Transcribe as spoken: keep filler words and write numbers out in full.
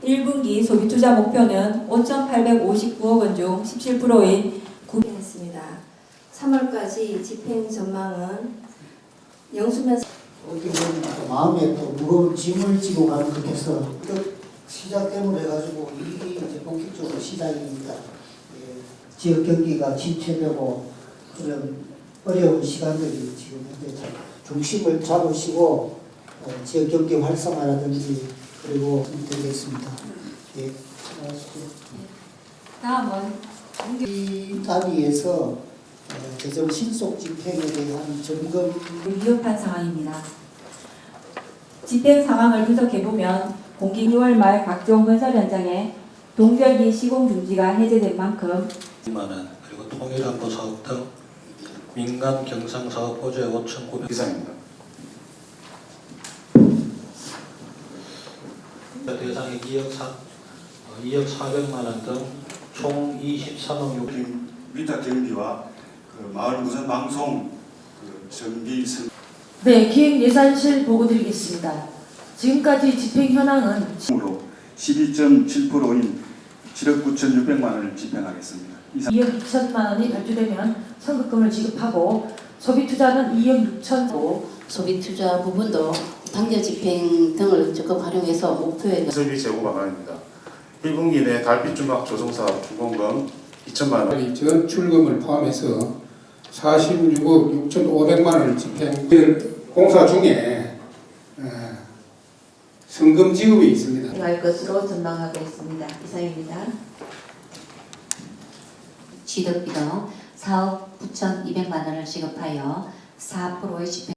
일 분기 소비투자 목표는 오천팔백오십구억 원 중 십칠 퍼센트인 구했습니다. 삼월까지 집행 전망은 영수면 어떻게 보면 마음에 또 무거운 짐을 지고 가는 것 같아서 시작 때문에 해가지고 이게 이제 본격적으로 시작이니까 예, 지역 경기가 침체되고 그런 어려운 시간들이 지금 현재 중심을 잡으시고 어, 지역 경기 활성화라든지 그리고 되겠습니다. 예, 다음은 이 단위에서 어, 재정 신속 집행에 대한 점검 위협한 상황입니다. 집행 상황을 분석해보면 공기 유월 말 각종 건설 현장에 동절기 시공 중지가 해제된 만큼 만 원, 그리고 통일안보 사업 등 민간 경상 사업 보조에 오천구백 이상입니다. 대상이 이억 사, 이억 사백만 원 등 총 이십삼억 육 위탁 경비와 그 마을 무선 방송 그 정비 선 네, 기획예산실 보고 드리겠습니다. 지금까지 집행 현황은 으로 십이 점 칠 퍼센트인 칠억 구천육백만 원을 집행하겠습니다. 이상 이억 이천만 원이 발주되면 선급금을 지급하고 소비투자는 이억 육천고 소비 투자 부분도 당겨 집행 등을 적극 활용해서 목표에 설비 재고 방안입니다. 일 분기 내 달빛 중각 조성사업 준공금 이천만 원. 전 출금을 포함해서 사십육억 육천오백만 원을 집행. 공사 중에 성금 지급이 있습니다. 할 것으로 전망하고 있습니다. 이상입니다. 취득 비용 사억 구천이백만 원을 지급하여 사 퍼센트의 집행